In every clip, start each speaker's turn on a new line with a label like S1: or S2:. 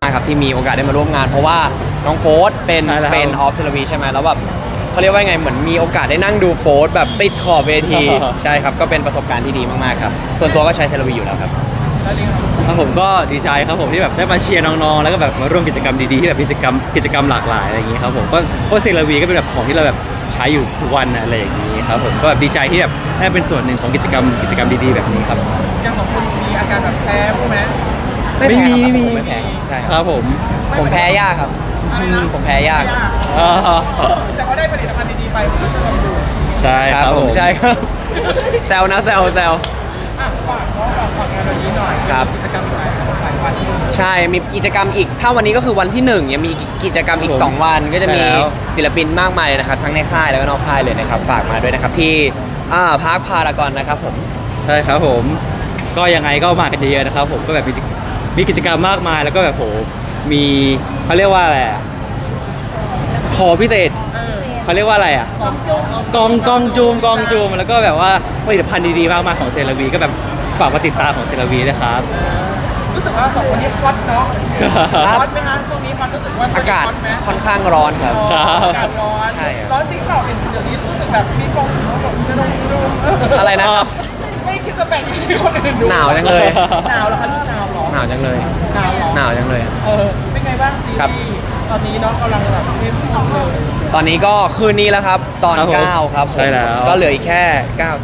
S1: ครับที่มีโอกาสได้มาร่วมงานเพราะว่าน้องโฟร์เป็นออฟเซลวีใช่ไหมแล้วแบบเขาเรียกว่าไงเหมือนมีโอกาสได้นั่งดูโฟร์แบบติดขอบเวทีใช่ครับก็เป็นประสบการณ์ที่ดีมากๆครับส่วนตัวก็ใช้เซลวีอยู่แล้วครับ
S2: ครับผมก็ดีใจครับผมที่แบบได้มาเชียร์น้องๆแล้วก็แบบมาร่วมกิจกรรมดีๆที่แบบกิจกรรมหลากหลายอะไรอย่างนี้ครับผมก็เพราะเซราวีก็เป็นแบบของที่เราแบบใช้อยู่ทุกวันอะไรอย่างนี้ครับผมก็แบบดีใจที่แบบได้เป็นส่วนหนึ่งของกิจกรรมดีๆแบบนี้ครับ
S3: อย่างของคุณมีอาการแบบแพ้พวกไหม
S1: ไม่แพ้ครับ
S2: มี
S1: ผมไม่แพ้ใช่
S2: ค
S1: ค
S2: รั
S1: รั
S2: บบ ผม
S1: ผมแพ้ยากครับ
S3: อะไรนะ
S1: ผมแพ้ยาก
S2: อ่า
S3: แต่เขาได้ผลิตภัณฑ์ดีๆไปผมก็ชอบดู
S2: ใช่ครับผม
S1: ใช่ครับ แซวนะแซว
S3: อ่ะฝากงานวันนี้หน่อย
S1: ครับ
S3: กิจกรรมหลายวัน
S1: ใช่มีกิจกรรมอีกถ้าวันนี้ก็คือวันที่1ยังมีกิจกรรมอีก2วันก็จะมีศิลปินมากมายเลยนะครับทั้งในค่ายแล้วก็นอกค่ายเลยนะครับฝากมาด้วยนะครับที่พาร์คพารากอนนะครับผม
S2: ใช่ครับผมก็ยังไงก็มากันเยอะๆนะครับผมก็แบบมีกิจกรรมมากมายแล้วก็แบบโหมีเขาเรียกว่าอะไรอะขอพิเศษเขาเรียกว่าอะไรอ่ะกองจูมแล้วก็แบบว่าผลิตภัณฑ์ดีๆมากมายของเซราวีก็แบบฝากมาติดตามของเซราวีนะครับ
S3: รู้สึกว่าสองคนนี้ฮอตเนาะ
S1: ครับ
S3: ฮอตไหมคะช่วงนี้ฮอตรู้สึกว่า
S1: อากาศ
S3: ฮอตไหม
S1: ค่อนข้างร้อนครับ
S3: อากาศร้อน
S1: ใช่ครับ
S3: ร้อนจริงเปล่าเห็นเดี๋ยวนี้รู้สึกแบบมีฟองแบบจะลงดู
S1: อะไรนะครับ
S3: ไม่คิดจะแบ่งให้คนอื่นดู
S1: หนาวจังเลย
S3: หนาวเหรอคะลูกหนาวเหรอ
S1: หนาวจังเลย
S3: หนาวเหรอ
S1: หนาวจังเลย
S3: เป็นไงบ้างซี
S1: ครับ
S3: รีส์ตอนนี้เนาะกำลังแบบเข้มข้นเลย
S1: ตอนนี้ก็คืนนี้แล้วครับตอน
S2: ครับผม
S1: 9ครับผม
S2: ใช่แล้ว
S1: ก็เหลืออีกแค่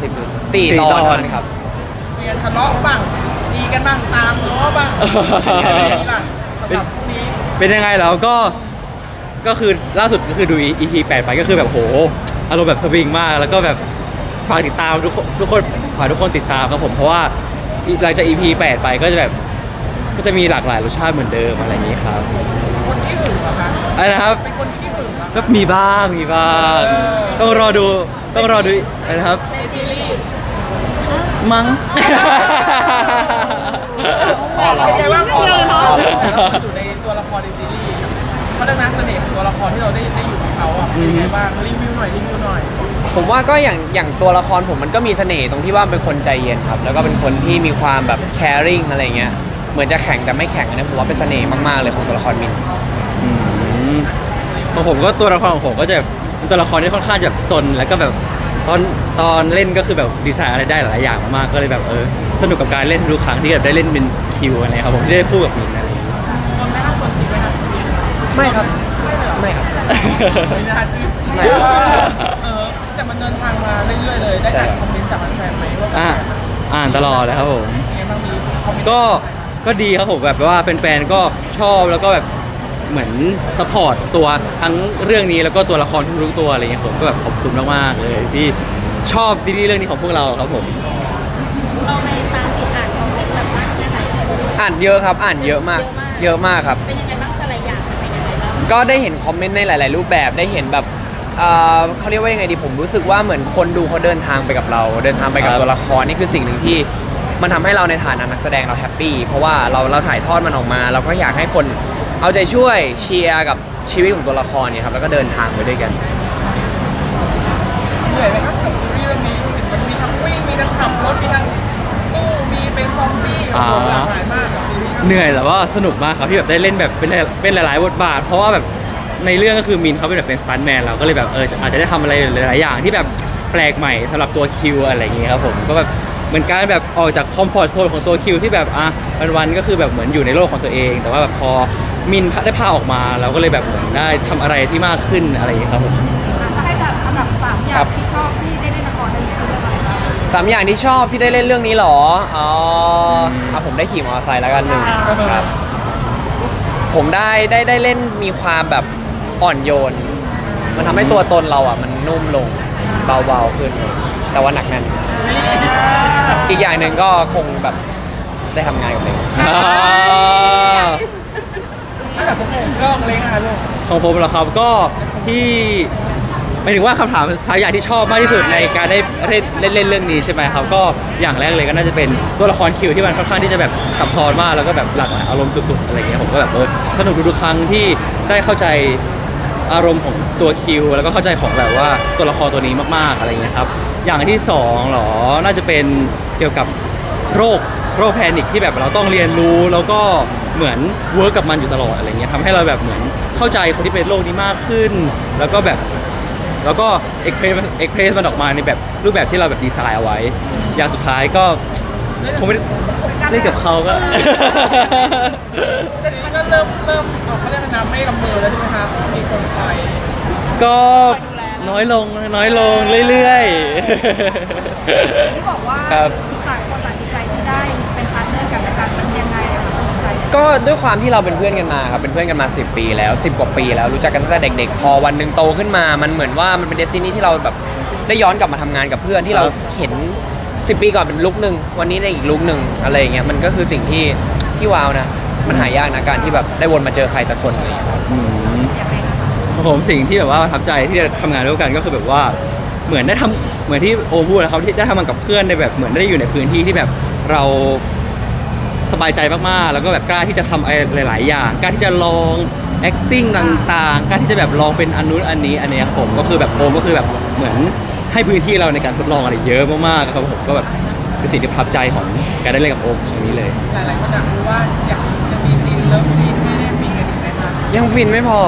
S1: 90 4 ตอนเท่านั้นครับ
S3: มีกันทะเลาะบ้างดีกันบ้างตามล้อบ้างเป็นไงบ้างล่ะสำหรับช่วงนี้
S2: เป็นยังไงแล้วก็คือล่าสุดก็คือดู EP 8ไปก็คือแบบโหอารมณ์แบบสวิงมากแล้วก็แบบฝากติดตามทุกคนฝากทุกคนติดตามครับผมเพราะว่าหลังจาก EP 8ไปก็จะแบบก็จะมีหลากหลายรสชาติเหมือนเดิมอะไรอย่างนี้ครับ
S3: คนที่หึงเหรอคะ
S2: อะไรนะครับ
S3: เป็นคนที่หึงเหรอ
S2: ก็มีบ้างต้องรอดูอะไรนะครับ
S3: ในซีรีส์
S2: มั้ง
S3: เป็นไงบ้างพอเราอยู่ในตัวละครในซีรีส์เขาเรียกนะเสน่ห์ของตัวละครที่เราได้อยู่กับเขาอ่ะเป็นยังไงบ้างรีวิวหน่อย
S1: ผมว่าก็อย่างตัวละครผมมันก็มีเสน่ห์ตรงที่ว่าเป็นคนใจเย็นครับแล้วก็เป็นคนที่มีความแบบ caring อะไรเงี้ยเหมือนจะแข็งแต่ไม่แข็งอันนี้ผมว่าเป็นเสน่ห์มากๆเลยของตัวละครมิน
S2: ของผมก็ตัวละครของผมก็จะเป็นตัวละครที่ค่อนข้างจะซนแล้วก็แบบตอนเล่นก็คือแบบดีไซน์อะไรได้หลายอย่างมากๆก็เลยแบบสนุกกับการเล่นทุกครั้งที่แบบได้เล่นเป็นคิวอะไรครับผมที่ได้พูดกับมินอะไรอย่างเงี้ย
S3: ๆคนแรกสนจริงไหมคะ
S1: ไม่ครับไม่ครับ
S3: ไม่น่าเชื่อ
S1: ไม่
S3: แต่มันเดินทางมาเรื่อยๆเลยได้อ่านคอมเมนต์จากแฟนๆไหมว่า
S2: อ่านตลอดเลยครับผม
S3: เป็นไงบ้างมีคอมเมนต์
S2: ก็ดีครับผมแบบว่าแฟนๆก็ชอบแล้วก็แบบเหมือนสปอร์ตตัวทั้งเรื่องนี้แล้วก็ตัวละครทุกๆตัวอะไรเงี้ยผมก็แบบขอบคุณมากๆเลยที่ชอบซีรีส์เรื่องนี้ของพวกเราครับผม
S4: เราในตามติดอ่านคอมเมนต์แบบมากแค่ไหน
S1: อ่านเยอะครับอ่านเยอะมากเยอะมากครับ
S4: เป็นยังไงบ้างแต่ละอย่างเป็นยังไงบ้าง
S1: ก็ได้เห็นคอมเมนต์ในหลาย ๆ รูปแบบได้เห็นแบบเขาเรียกว่ายังไงดีผมรู้สึกว่าเหมือนคนดูเขาเดินทางไปกับเรา เดินทางไปกับ
S2: ครับ
S1: ตัวละครนี่คือสิ่งหนึ่งที่มันทำให้เราในฐานะนักแสดงเราแฮปปี้เพราะว่าเราถ่ายทอดมันออกมา เราก็อยากให้คนเอาใจช่วยเชียร์กับชีวิตของตัวละครเนี่ยครับแล้วก็เดินทางไปด้วยกัน
S3: เหนื่อยไหมครับกับซีรีส์เรื่องนี้มันมีทั้งวิ่งมีทั้งขับรถมีทั้งสู้มีเป็นซอมบี้โอ้โหหลากหลายมากกับซีรีส์
S2: เหนื่อยแต่ว่าสนุกมากครับที่แบบได้เล่นแบบเป็นหลายๆบทบาท เพราะว่าแบบในเรื่องก็คือมินเขาเป็นแบบเป็นสตันท์แมนเราก็เลยแบบอาจจะได้ทำอะไรหลายๆอย่างที่แบบแปลกใหม่สำหรับตัวคิวอะไรอย่างเงี้ยครับผมก็แบบเหมือนการแบบออกจากคอมฟอร์ทโซนของตัวคิวที่แบบวันๆก็คือแบบเหมือนอยู่ในโลกของตัวเอง แต่ว่าแบบพอมินได้พาออกมาเราก็เลยแบบเหมือนได้ทำอะไรที่มากขึ้นอะไรอย่างเงี้ยครับผม
S4: ถ้าให้จัดอันดับ3อย่างที่ชอบที่ได้เล่นละครเรื่องนี้คือเรื่องอะไรบ้าง
S1: สามอย่างที่ชอบที่ได้เล่นเรื่องนี้เหรอผมได้ขี่มอเตอร์ไซค์แล้วกันหนึ่งครับ ผมได้เล่นมีความแบบอ่อนโยน มันทำให้ตัวตนเราอ่ะมันนุ่มลงเบาๆขึ้น แต่ว่าหนักแน่นอีกอย่างหนึ่งก็คงแบบได้ทำงานกับเด็ก
S3: ถ้าแบบผมเริ่มเล้งอะลูก
S2: ของผมเหรอครับก็ที่หมายถึงว่าคำถามสายอย่างที่ชอบมากที่สุดในการได้เล่นเรื่องนี้ใช่ไหมครับก็อย่างแรกเลยก็น่าจะเป็นตัวละครคิวที่มันค่อนข้างที่จะแบบซับซ้อนมากแล้วก็แบบหลากหลายอารมณ์สุดๆอะไรเงี้ยผมก็แบบสนุกทุกๆครั้งที่ได้เข้าใจอารมณ์ของตัวคิวแล้วก็เข้าใจของแบบว่าตัวละครตัวนี้มากๆอะไรเงี้ยครับอย่างที่สองหรอน่าจะเป็นเกี่ยวกับโรคแพนิคที่แบบเราต้องเรียนรู้แล้วก็เหมือนเวิร์กกับมันอยู่ตลอดอะไรเงี้ยทำให้เราแบบเหมือนเข้าใจคนที่เป็นโรคนี้มากขึ้น แล้วก็เอ็กเพรสมันออกมาในแบบรูปแบบที่เราแบบดีไซน์เอาไว้ อย่างสุดท้ายก็คงไม่ได้เล่นกับเขาก็
S3: แต่นี้ก็เริ่มเขาเรียกว่าน้ำไม่ลำเบอแล้วใช่ไหมคะมีคนคอย
S2: ก็น้อยลงเรื่อยๆ
S4: ที่บอกว่า
S2: ครับ
S4: ต่างคนต่างดีใจที่ได้เป็นพาร์ทเนอร์กันและกันมันยังไงอะคะดีใจ
S1: ก็ด้วยความที่เราเป็นเพื่อนกันมาครับเป็นเพื่อนกันมา10 ปีแล้ว10 กว่าปีแล้วรู้จักกันตั้งแต่เด็กๆ พอวันหนึ่งโตขึ้นมามันเหมือนว่ามันเป็นเดสตินีที่เราแบบได้ย้อนกลับมาทำงานกับเพื่อนที่เราเห็น10 ปีก่อนเป็นลุคหนึ่งวันนี้ในอีกลุคหนึ่งอะไรอย่างเงี้ยมันก็คือสิ่งที่ว้าวนะมันหายากนะการที่แบบได้วนมาเจอใครสักคนอะไรอย่างเงี้ยครับ
S4: ยังไงคะ
S2: ผมสิ่งที่แบบว่าประทับใจที่ได้ทำงานร่วมกันก็คือแบบว่าเหมือนได้ทำเหมือนที่โอมพูดนะครับที่ได้ทำงานกับเพื่อนในแบบเหมือนได้อยู่ในพื้นที่ที่แบบเราสบายใจมากๆแล้วก็แบบกล้าที่จะทำอะไรหลายๆอย่างกล้าที่จะลอง acting ต่างๆกล้าที่จะแบบลองเป็นอันนู้นอันนี้อันเนี้ยครับผมก็คือแบบโอมก็คือแบบเหมือนให้พื้นที่เราในการทดลองอะไรเยอะมากๆครับผมก็แบบเป็นสิ่งที่ประทับใจของการได้เล่นกับโอมครั้งนี้เลย
S3: หลายๆคนอยากรู้ว่าอยากจะมีซีนเลิฟซีนให้ได้มีกันอีกไหมคะ
S1: ยังฟินไม่พอ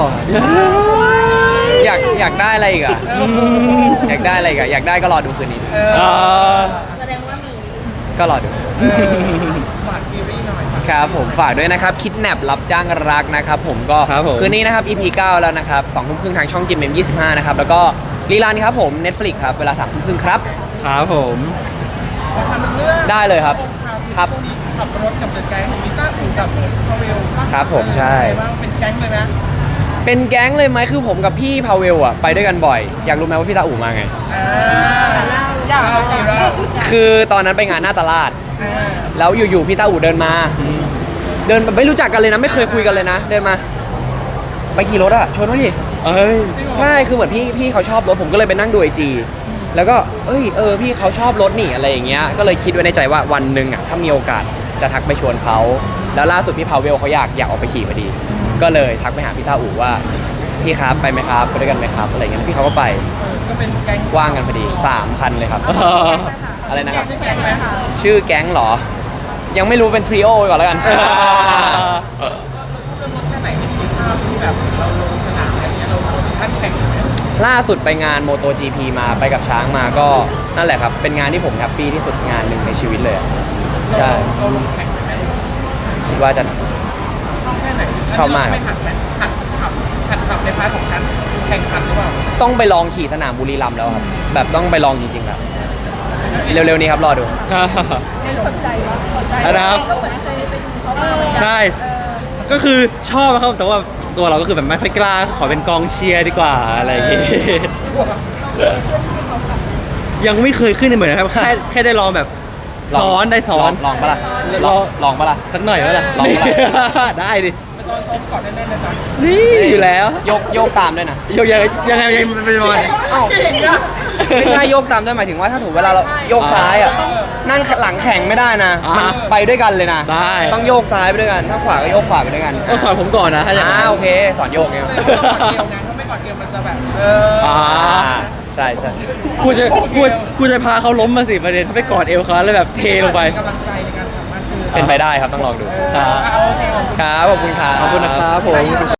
S1: อยากได้อะไรอีกอะอยากได้อะไรอีกอะอยากได้ก็รอดูคืนนี้
S4: แสดงว่ามี
S1: ก็รอดู
S3: ฝากซีรีส์หน่อย
S1: ครับผมฝากด้วยนะครับคิดแนบรับจ้างรักนะครับผมก็
S2: ครับผม
S1: คืนนี้นะครับ EP 9 แล้วนะครับ2 ทุ่มครึ่งทางช่องจิมเอ็ม25นะครับแล้วก็รีลันครับผม Netflix ครับเวลา3 ทุ่มครึ่งครับ
S2: ครับผม
S3: ขอทำเรื่อง
S1: ได้เลยครับครับ
S3: ช่วงนี้ขับรถกับเดอะแก๊งมีต้าอู่กับพาเวล
S1: ครับผมใช่
S3: บ้างเป็นแก๊งเลยนะ
S1: เป็นแก๊งเลยไหมคือผมกับพี่พาเวลอะไปด้วยกันบ่อย อยากรู้ไหมว่าพี่ตาอู่มาไง
S3: อยากเอาสิเรา
S1: คือตอนนั้นไปงานหน้าตลาด แล้วอยู่ๆพี่ตาอู่เดินมา เดินแบบไม่รู้จักกันเลยนะ ไม่เคยคุยกันเลยนะ เดินมา ไปขี่รถอะชวนมาดิ
S2: เอ้ย
S1: ใช่คือเหมือนพี่เขาชอบรถผมก็เลยไปนั่งดูไอจีแล้วก็พี่เขาชอบรถนี่อะไรอย่างเงี้ยก็เลยคิดไว้ในใจว่าวันหนึ่งอะถ้ามีโอกาสจะทักไปชวนเขาแล้วล่าสุดพี่พาเวลเขาอยากออกไปขี่พอดี ก็เลยทักไปหาพี่ตาอู่ว่าพี่ครับไปไหมครับไปด้วยกันไหมครับอะไรเงี้ยพี่เขาก็ไป
S3: ก็เป็นแก๊ง
S1: ว่างกันพอดี3 คันเลยครับ อะไรนะครับ
S3: ชื่อแก๊งไหมคะ
S1: ชื่อแก๊งเหรอ ยังไม่รู้เป็นทริโอไปก่อนแล้วกัน
S3: เราชอบเรื่องรถแค่ไหนที่มีภาพที่แบบเราลงสนามอะไรเงี้ยเราถึงขั้นแข่งเลยไหม
S1: ล่าสุดไปงาน MotoGP มาไปกับช้างมาก็นั่นแหละครับ เป็นงานที่ผมแฮปปี้ที่สุดงานหนึ่งในชีวิตเลยอะใช่
S3: เราลงแข่งไหม
S1: คิดว่าจะ
S3: ชอบแค่ไหน
S1: ชอบมาก
S3: ไม่หัดขับในพาร์ทของการแข่งขันหรือเปล่า
S1: ต้องไปลองขี่สนามบุรีรัมย์แล้วครับ แบบต้องไปลองจริงๆครับเร็วๆนี้ครับรอดู
S4: เน้นสนใจว่าสนใจ
S2: นะครับ
S4: ก็เหมือนเคยไปดูเขามาเหมือนกัน
S2: ใช่ ก็คือชอบนะครับแต่ว่าตัวเราก็คือแบบไม่ค่อยกล้าขอเป็นกองเชียร์ดีกว่าอะไรอย่างงี้ ยังไม่เคยขึ้นในเหมือนนะครับแค่ได้ลองแบบซ้อนได้ซ้อน
S1: ลองปะล่ะลองปะล่ะ
S2: สักหน่อยว่าล่ะ
S1: ลองปะล่ะ
S2: ได้ดิ
S3: ไปตอนซ้อมก่อนแน่ๆนะจ๊ะ
S2: นี่อยู่แล้ว
S1: โยกตามด้วยนะ
S2: ยังไงเป็นวัน
S1: เอ้า
S3: เก่งอะ
S1: ไม่ใช่โยกตามด้วยหมายถึงว่าถ้าถูกเวลาเราโยกซ้ายอ่ะนั่งหลังแข่งไม่ได้นะ มันไปด้วยกันเลยนะ
S2: ได้
S1: ต้องโยกซ้ายไปด้วยกัน ถ้าขวาก็โยกขวาไปด้วยกัน
S2: ก็สอนผมก่อนนะถ้าอย่างนั้น
S1: โอเค สอนโยกเนี่ย
S3: แต่ว่าก่อนเกมไงถ้าไม่ก่อนเกมมันจะแบบ
S1: ใช่ใช่
S2: กูจะพาเขาล้มมาสิประเด็นถ้าไปกอดเอวเขาแล้วแบบเทลงไป
S3: กำลังใจในการทำมากคือ
S1: เป็นไปได้ครับต้องลองดู
S2: ครับ
S3: โอเค
S1: ครับ ขอบคุณครับ
S2: ขอบคุณนะครับผม